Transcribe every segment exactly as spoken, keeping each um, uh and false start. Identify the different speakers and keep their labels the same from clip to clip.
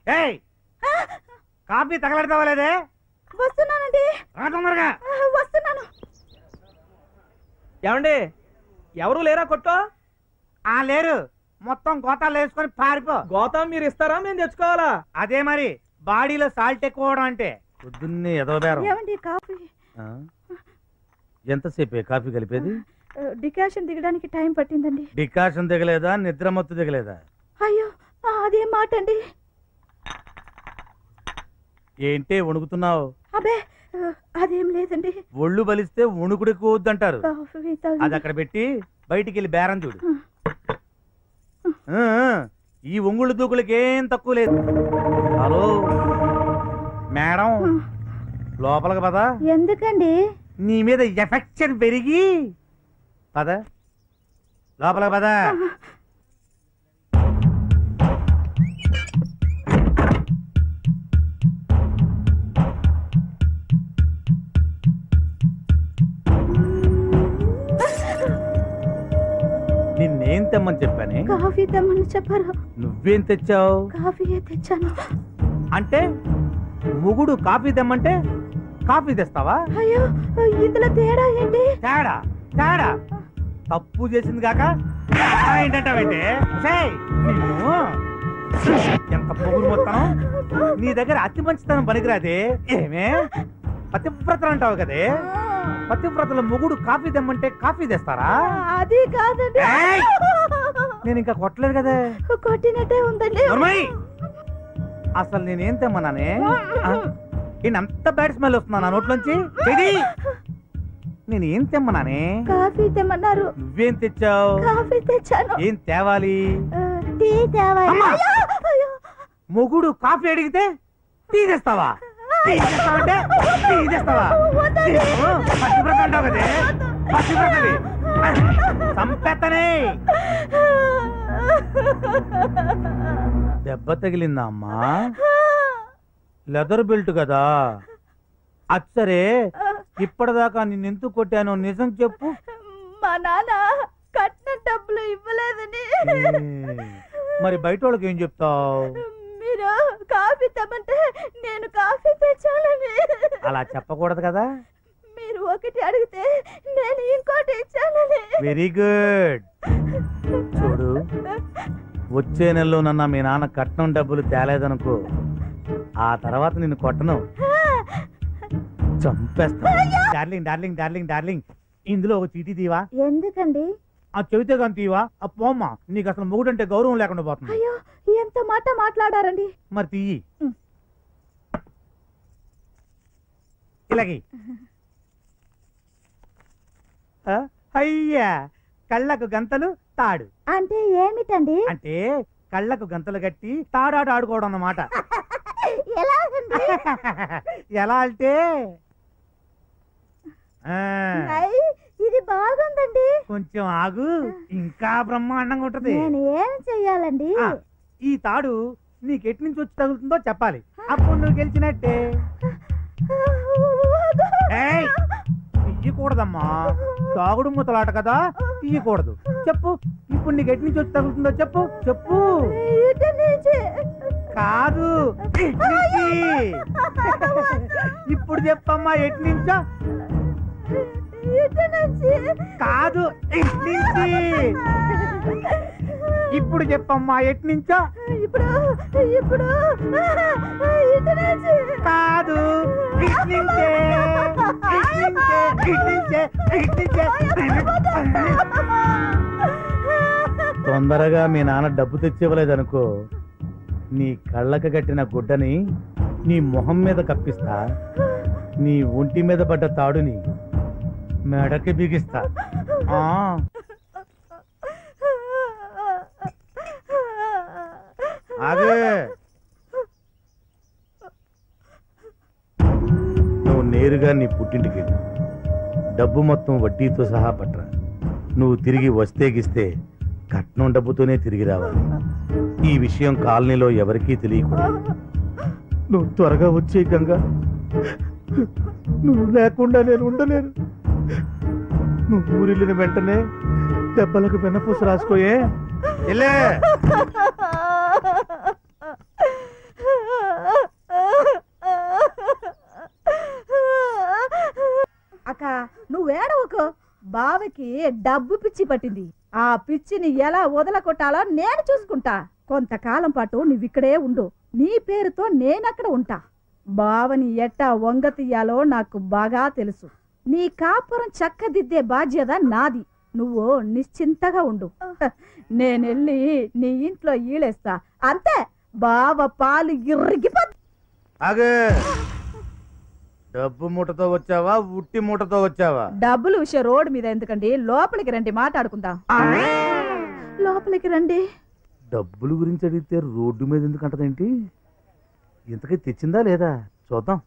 Speaker 1: ఏయ్ కాఫీ తగలడతావా లేదే?
Speaker 2: వస్తున్నానండి.
Speaker 1: తొందరగా
Speaker 2: వస్తున్నాను.
Speaker 3: ఏమండి ఎవరు లేరా కొట్టో?
Speaker 1: ఆ లేరు, మొత్తం గోతాలు వేసుకొని పారిపో.
Speaker 3: గోతం మీరు ఇస్తారా మేము తెచ్చుకోవాలా?
Speaker 1: అదే మరి బాడీలో సాల్ట్ ఎక్కువ అంటే. పొద్దున్నే ఎదవబేరం.
Speaker 2: ఏమండి కాఫీ
Speaker 1: ఎంతసేపే కాఫీ కలిపేది?
Speaker 2: డికాషన్ దిగడానికి టైం పట్టిందండి.
Speaker 1: డికాషన్ దిగలేదా, నిద్ర మత్తు దిగలేదా?
Speaker 2: అయ్యో అదేం మాట అండి.
Speaker 1: ఏంటే వణుకుతున్నావు?
Speaker 2: అబే అదేం లేదండి.
Speaker 1: ఒళ్ళు బలిస్తే వణుకుడు ఎక్కువ వద్దంటారు.
Speaker 2: కాఫీ తాగి-
Speaker 1: అది అక్కడ పెట్టి బయటికి వెళ్ళి బేరం చూడు. ఆ, ఈ ఒంగుళ్ళు దూకులకి ఏం తక్కువ లేదు. హలో మేడం, లోపలికి పద.
Speaker 2: ఎందుకండి?
Speaker 1: నీ మీద ఎఫెక్షన్ పెరిగి పద, లోపలికి పద. నిన్నేం తెమ్మని చెప్పానే?
Speaker 2: కాఫీ తెమ్మని చెప్పారు.
Speaker 1: నువ్వేం తెచ్చావు?
Speaker 2: కాఫీయే తెచ్చాను.
Speaker 1: అంటే మొగుడు కాఫీ తెమ్మంటే కాఫీ తెస్తావా?
Speaker 2: అయ్యో ఇందులో తేడా ఏంటి?
Speaker 1: తేడా తేడా తప్పు చేసింది కాక ఏంటంటావంటే? నిన్ను ఎంత పొగురు మొత్తం. నీ దగ్గర అతి మంచితనం పనికిరాదే. ఏమే పతివ్రతలు అంటావు కదే, పతివ్రతల మొగుడు కాఫీ తెమ్మంటే కాఫీ తెస్తారా?
Speaker 2: అది కాదండి.
Speaker 1: నేను ఇంకా కొట్టలేదు కదా.
Speaker 2: కొట్టినట్టే ఉందండి.
Speaker 1: అసలు నేనేం తెమ్మన్నానే? అంత బ్యాడ్ స్మెల్ వస్తున్నా నా నోట్లోంచి. నేను ఏం తెమ్మన్నానే?
Speaker 2: కాఫీ తెమ్మన్నారు.
Speaker 1: నువ్వేం తెచ్చావు?
Speaker 2: కాఫీ తెచ్చాను.
Speaker 1: ఏం తేవాలి?
Speaker 2: టీ తేవాలి.
Speaker 1: మొగుడు కాఫీ అడిగితే టీ తెస్తావా? టీ తెస్తావంటే టీ తెస్తావా? పచ్చివ్రత అంటావు కదే, పచ్చివ్రతవి సంపెత్తనే. దెబ్బ తగిలిందా అమ్మా? లెదర్ బెల్ట్ కదా. అచ్చరే ఇప్పటిదాకా నిన్నెందుకు కొట్టానో నిజం చెప్పు.
Speaker 2: మా నాన్న కట్టిన డబ్బులు ఇవ్వలేదని.
Speaker 1: మరి బయట వాళ్ళకి ఏం చెప్తావు?
Speaker 2: మీరు కాఫీ తెమ్మంటే నేను కాఫీ తెచ్చానని.
Speaker 1: అలా చెప్పకూడదు కదా.
Speaker 2: మీరు ఒకటి అడిగితే నేను ఇంకోటి ఇచ్చానని.
Speaker 1: Very good. చూడు, వచ్చే నెలలో నన్న మీ నాన్న కట్నం డబ్బులు తేలేదనుకో, ఆ తర్వాత నిన్ను కొట్టను, చంపేస్తా. డార్లింగ్ డార్లింగ్ డార్లింగ్ డార్లింగ్ ఇందులో ఒక చీటీ తీవా?
Speaker 2: ఎందుకండి?
Speaker 1: ఆ చెబితే కానీ తీవా? ఆ పోమ్మా, నీకు అసలు మొగుడంటే గౌరవం లేకుండా పోతుంది.
Speaker 2: అయ్యో ఎంత మాట మాట్లాడారండి.
Speaker 1: మరి తీయి. ఇలాగి అయ్యా, కళ్ళకు గంతలు తాడు
Speaker 2: అంటే ఏమిటండి?
Speaker 1: అంటే కళ్ళకు గంతలు కట్టి తాడాట ఆడుకోవడం అన్నమాట. ఎలా అంటే
Speaker 2: ఇది బాగుందండి.
Speaker 1: కొంచెం ఆగు, ఇంకా బ్రహ్మాండంగా ఉంటది.
Speaker 2: నేను ఏం చెయ్యాలండి?
Speaker 1: ఈ తాడు నీకు ఎటు నుంచి వచ్చి తగులుతుందో చెప్పాలి, అప్పుడు నువ్వు గెలిచినట్టే. తీయకూడదమ్మా, తాగుడు ముతలాట కదా, తీయకూడదు. చెప్పు, ఇప్పుడు నీకు ఎటు నుంచి వచ్చి తగులుతుందో చెప్పు. చెప్పు. కాదు, ఇప్పుడు చెప్పమ్మా, ఎటు నుంచో. కాదు, నుంచి. ఇప్పుడు చెప్పమ్మా, ఎటు నుంచో.
Speaker 2: ఇప్పుడు ఇప్పుడు
Speaker 1: కాదు, తొందరగా మీ నాన్న డబ్బు తెచ్చివ్వలేదనుకో, నీ కళ్ళకు కట్టిన గుడ్డని నీ మొహం మీద కప్పిస్తా, నీ ఒంటి మీద పడ్డ తాడుని మెడకి బిగిస్తా. ఆ ఆగే, నువ్వు నేరుగా నీ పుట్టింటికి వెళ్ళు. డబ్బు మొత్తం వడ్డీతో సహా పట్రా. నువ్వు తిరిగి వస్తే గిస్తే కట్నం డబ్బుతోనే తిరిగి రావాలి. ఈ విషయం కాలనీలో ఎవరికీ తెలియకూడదు. నువ్వు త్వరగా వచ్చే గంగా, నువ్వు లేకుండా నేను ఉండలేను. నువ్వు ఊరిల్లిన వెంటనే దెబ్బలకు వెన్నపూస రాసుకోయే.
Speaker 2: బావకి డబ్బు పిచ్చి పట్టింది. ఆ పిచ్చిని ఎలా వదలకొట్టాలో నేను చూసుకుంటా. కొంతకాలం పాటు నువ్విక్కడే ఉండు. నీ పేరుతో నేనక్కడ ఉంటా. బావని ఎట్టా వంగ తీయాలో నాకు బాగా తెలుసు. నీ కాపురం చక్కదిద్దే బాధ్యత నాది. నువ్వు నిశ్చింతగా ఉండు. నేనెళ్ళి నీ ఇంట్లో ఈలేస్తా. అంతే, బావ పాలు ఇరిగిపో.
Speaker 1: ఆగే, డబ్బు మూటతో వచ్చావా ఉట్టి మూటతో వచ్చావా?
Speaker 2: డబ్బులు విషయం రోడ్డు మీద ఎందుకండి, లోపలికి రండి మాట్లాడుకుందాం. లోపలికి రండి.
Speaker 1: డబ్బుల గురించి అడిగితే రోడ్డు మీద ఎందుకు అంటదేంటి? ఇంతకీ తెచ్చిందా లేదా చూద్దాం.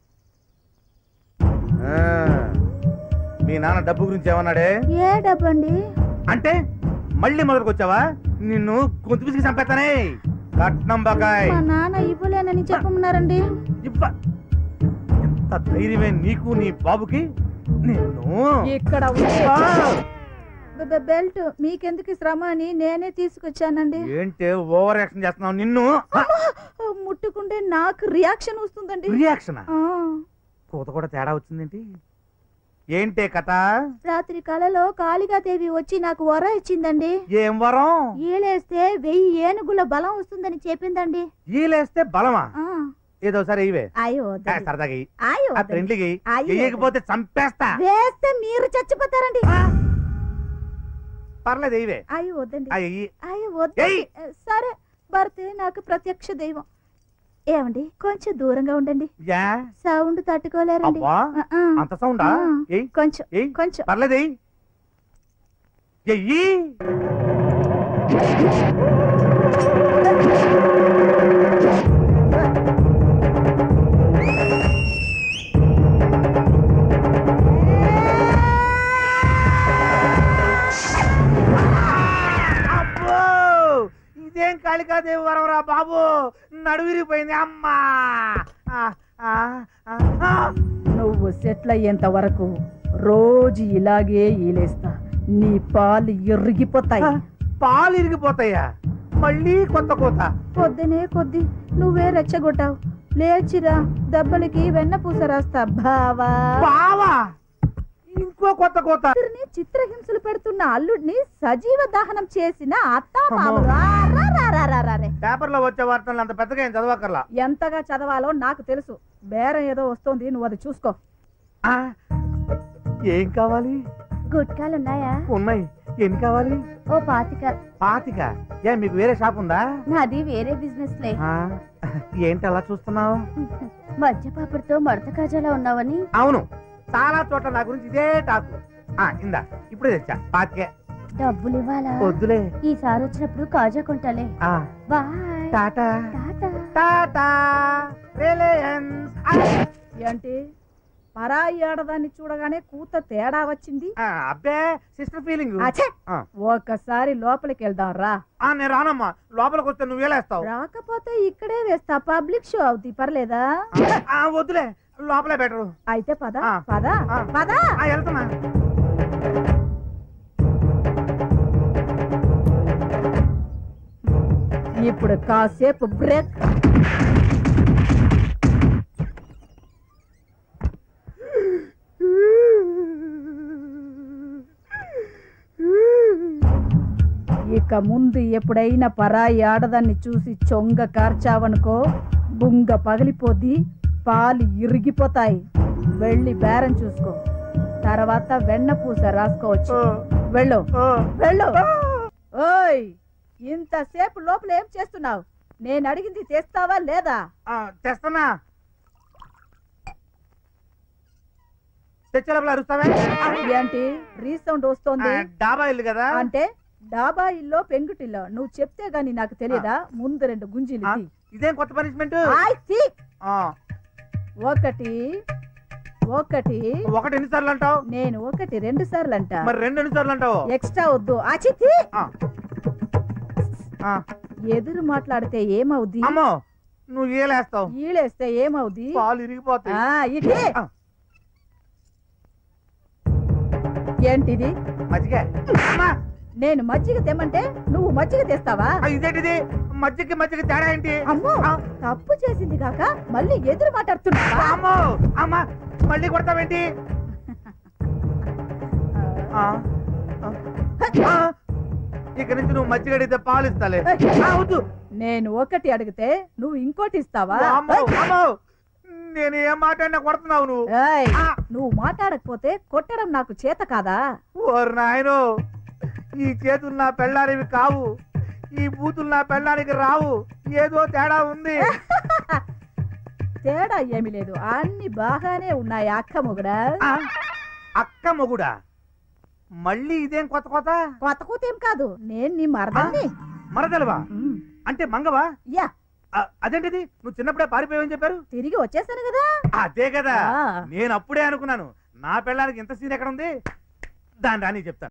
Speaker 1: ఆ, మీ నాన్న డబ్బు గురించి ఏమన్నాడే?
Speaker 2: ఏ డబ్బు అండి?
Speaker 1: అంటే మళ్ళీ మొదలుకు వచ్చావా? నిన్ను గొంతు పిసికి చంపేస్తానే. కట్నం బకాయ్
Speaker 2: మా నాన్న ఇవ్వలేనని చెప్పమన్నారండి.
Speaker 1: ఇవ్వ. ఎంత ధైర్యమే నీకు నీ బాబుకి? నిన్ను
Speaker 2: ఇక్కడ ఉంది.
Speaker 1: ఆ!
Speaker 2: బె- బె- బెల్ట్ మీకెందుకు శ్రమ అని నేనే తీసుకొచ్చానండి.
Speaker 1: ఏంటే ఓవర్ యాక్షన్ చేస్తున్నావు? నిన్ను
Speaker 2: అమ్మా! ముట్టుకుంటే నాకు రియాక్షన్ వస్తుందండి.
Speaker 1: రియాక్షన్
Speaker 2: ఆ,
Speaker 1: కూత కూడా తేడా వచ్చిందేంటి? ఏంటే కథ?
Speaker 2: రాత్రి కలలో కాళికాదేవి వచ్చి నాకు వర ఇచ్చిందండి.
Speaker 1: ఏం వరం?
Speaker 2: ఈలేస్తే వెయ్యి ఏనుగుల బలం వస్తుందని చెప్పిందండి.
Speaker 1: ఈలేస్తే బలమా?
Speaker 2: ఆ,
Speaker 1: ఏదో సరే ఇవే
Speaker 2: అయ్యో
Speaker 1: ఆ,
Speaker 2: వద్దండి.
Speaker 1: సరదాగా ఇయ్యి.
Speaker 2: అయ్యో
Speaker 1: ఆ
Speaker 2: వద్దండి.
Speaker 1: ఫ్రెండ్లీకి
Speaker 2: అయ్యో.
Speaker 1: వేయకపోతే చంపేస్తా.
Speaker 2: వేస్తే మీరు చచ్చిపోతారండి.
Speaker 1: పర్లేదు ఇవే.
Speaker 2: అయ్యో వద్దండి.
Speaker 1: అయ్యి
Speaker 2: అయ్యో వద్దండి.
Speaker 1: ఏయ్.
Speaker 2: సరే, భర్తే నాకు ప్రత్యక్ష దైవం. ఏమండి, కొంచెం దూరంగా ఉండండి.
Speaker 1: యా
Speaker 2: సౌండ్ తట్టుకోలేరండి.
Speaker 1: అబ్బా
Speaker 2: ఆ, ఆ.
Speaker 1: అంత సౌండా?
Speaker 2: ఆ.
Speaker 1: ఏయ్
Speaker 2: కొంచెం
Speaker 1: ఏయ్
Speaker 2: కొంచెం
Speaker 1: పర్లేదు ఎయ్. ఎయ్యి. అబ్బో! ఇదేం కాళికాదేవి వరవరా బాబు, నడువిరిపోయింది అమ్మా. ఆ, ఆ, ఆ, ఆ.
Speaker 2: నువ్వు సెటిల్ అయ్యేంత వరకు రోజు ఇలాగే ఈలేస్తా. నీ పాలు ఎరిగిపోతాయి.
Speaker 1: పాలు ఇరిగిపోతాయా? మళ్ళీ కొత్త కోత?
Speaker 2: పొద్దునే కొద్ది నువ్వే రెచ్చగొట్టావు. లేచిరా, దెబ్బలకి వెన్న పూస రాస్తా బావా.
Speaker 1: బావా ఇంకో కొత్త కోత?
Speaker 2: కూతురిని చిత్రహింసలు పెడుతున్న అల్లుడిని సజీవ దహనం చేసిన అత్తా మామలు. ఆ, రా, రా, రా, రా, రా, రే.
Speaker 1: పేపర్ లో వచ్చే వార్తలు అంత పెద్దగా ఏం చదవకర్లా.
Speaker 2: ఎంతగా చదవాలో నాకు తెలుసు. బేరం ఏదో వస్తోంది, నువ్వు అది చూసుకో.
Speaker 1: ఆ, ఏం కావాలి?
Speaker 2: గుట్కాలున్నాయా?
Speaker 1: ఉన్నాయి. ఎన్ని కావాలి?
Speaker 2: ఓ పాతిక.
Speaker 1: పాతిక? ఏ మీకు వేరే షాప్ ఉందా?
Speaker 2: నాది వేరే బిజినెస్ లే.
Speaker 1: ఆ, ఏంటి అలా చూస్తున్నావు?
Speaker 2: మధ్యపాపడితో మడత కాజాలా ఉన్నావని.
Speaker 1: అవును, చాలా చోట్ల నా గురించి ఇదే టాకు. ఆ, ఇందా ఇప్పుడే తెచ్చా పాతికే.
Speaker 2: డబ్బులు ఇవ్వాలా?
Speaker 1: వద్దులే.
Speaker 2: ఈసారి వచ్చినప్పుడు కాజా కొంటాలే.
Speaker 1: ఆ,
Speaker 2: bye.
Speaker 1: Tata
Speaker 2: tata.
Speaker 1: Tata Reliance. ఆ,
Speaker 2: ఏంటి, పరాయి ఆడదాన్ని చూడగానే కూత తేడా వచ్చింది?
Speaker 1: ఆ, అబ్బే సిస్టర్ ఫీలింగ్.
Speaker 2: అచ్చే!
Speaker 1: ఆ.
Speaker 2: ఒకసారి లోపలికి వెళ్దాం రా.
Speaker 1: ఆ, నేను రానమ్మా. లోపలికి వస్తే నువ్వు వేలేస్తావు.
Speaker 2: రాకపోతే ఇక్కడే వేస్తా, పబ్లిక్ షో అవుతుంది, పర్లేదా?
Speaker 1: ఆ, వద్దులే, లోపలే బెటరు.
Speaker 2: అయితే పద
Speaker 1: ఆ.
Speaker 2: పద
Speaker 1: ఆ.
Speaker 2: పద.
Speaker 1: ఆ, వెళ్తున్నా.
Speaker 2: ఇప్పుడు కాసేపు బ్రేక్. ఇక ముందు ఎప్పుడైనా పరాయి ఆడదాన్ని చూసి చొంగ కార్చావనుకో, బుంగ పగిలిపోద్ది, పాలు ఇరిగిపోతాయి. వెళ్ళి బేరం చూసుకో, తర్వాత వెన్న పూస రాసుకోవచ్చు. వెళ్ళు వెళ్ళు. ఓయ్, ఇంతసేపు లోపల ఏం చేస్తున్నావు? నేను అడిగింది తెస్తావా లేదా?
Speaker 1: ఆ, తెస్తున్నా. తెచ్చే లోపల అరుస్తావే?
Speaker 2: ఏంటి రీసౌండ్ వస్తోంది?
Speaker 1: ఆ, డాబా ఇల్లు కదా.
Speaker 2: అంటే డాబా ఇల్లో పెంకుటిల్లో నువ్వు చెప్తే గాని నాకు తెలియదా? ముందు రెండు గుంజీలు
Speaker 1: ఆ,
Speaker 2: తీ.
Speaker 1: ఇదేం కొత్త పనిష్మెంట్?
Speaker 2: ఆయ్ తీ.
Speaker 1: ఆ,
Speaker 2: ఒకటి ఒకటి
Speaker 1: ఒకటి ఎన్నిసార్లు అంటావు?
Speaker 2: నేను ఒకటి రెండు సార్లు అంట.
Speaker 1: మరి రెండు ఎన్నిసార్లు అంటావు?
Speaker 2: ఎక్స్ట్రా వద్దు. ఆచి తీ.
Speaker 1: ఆ, ఆ.
Speaker 2: ఎదురు మాట్లాడితే ఏమవుద్ది?
Speaker 1: అమ్మో, నువ్వు ఏలేస్తావు.
Speaker 2: ఈలేస్తే ఏమవుద్ది?
Speaker 1: పాలు ఇరిగిపోతాయి.
Speaker 2: ఆ, ఇటీ.
Speaker 1: ఆ.
Speaker 2: ఏంటిది?
Speaker 1: మజ్జిగ. అమ్మా,
Speaker 2: నేను మజ్జిగ తెమ్మంటే నువ్వు మజ్జిగ తెస్తావా?
Speaker 1: ఆ, ఇదేంటిది? మజ్జిగకి మజ్జిగ తేడా ఏంటి?
Speaker 2: అమ్మో,
Speaker 1: ఆ.
Speaker 2: తప్పు చేసింది కాక మళ్ళీ ఎదురు మాట్లాడుతున్నావా?
Speaker 1: అమ్మో, అమ్మా, మళ్ళీ కొడతావేంటి? ఆ, ఇక నుంచి నువ్వు మజ్జిగ అడిగితే పాలు ఇస్తాలే. ఆ, వద్దు.
Speaker 2: నేను ఒకటి అడిగితే నువ్వు ఇంకోటి ఇస్తావా?
Speaker 1: అమ్మో, అమ్మో. నేను ఏం మాట్లాడినా కొడుతున్నావు నువ్వు.
Speaker 2: ఏయ్,
Speaker 1: ఆ.
Speaker 2: నువ్వు మాట్లాడకపోతే కొట్టడం నాకు చేత కాదా?
Speaker 1: ఓరు నాయనో, ఈ చేతులు నా పెళ్ళానివి కావు, ఈ బూతులు నా పెళ్ళానికి రావు. ఏదో తేడా ఉంది.
Speaker 2: తేడా ఏమీ లేదు, అన్ని బాగానే ఉన్నాయి అక్క మొగుడా.
Speaker 1: ఆ, అక్క మొగుడా? మళ్ళీ ఇదేం కొత్త కొత్త?
Speaker 2: కొత్త కూతేం కాదు, నేను నీ మరదల్ని.
Speaker 1: మరదలవా?
Speaker 2: ఉమ్,
Speaker 1: అంటే మంగవా?
Speaker 2: యా,
Speaker 1: ఆ, అదేంటిది, నువ్వు చిన్నప్పుడే పారిపోయావని చెప్పారు.
Speaker 2: తిరిగి వచ్చేసాను కదా.
Speaker 1: అదే కదా,
Speaker 2: ఆ.
Speaker 1: నేను అప్పుడే అనుకున్నాను నా పెళ్ళానికి ఇంత సీన్ ఎక్కడ ఉంది. దాని రాని చెప్తాను.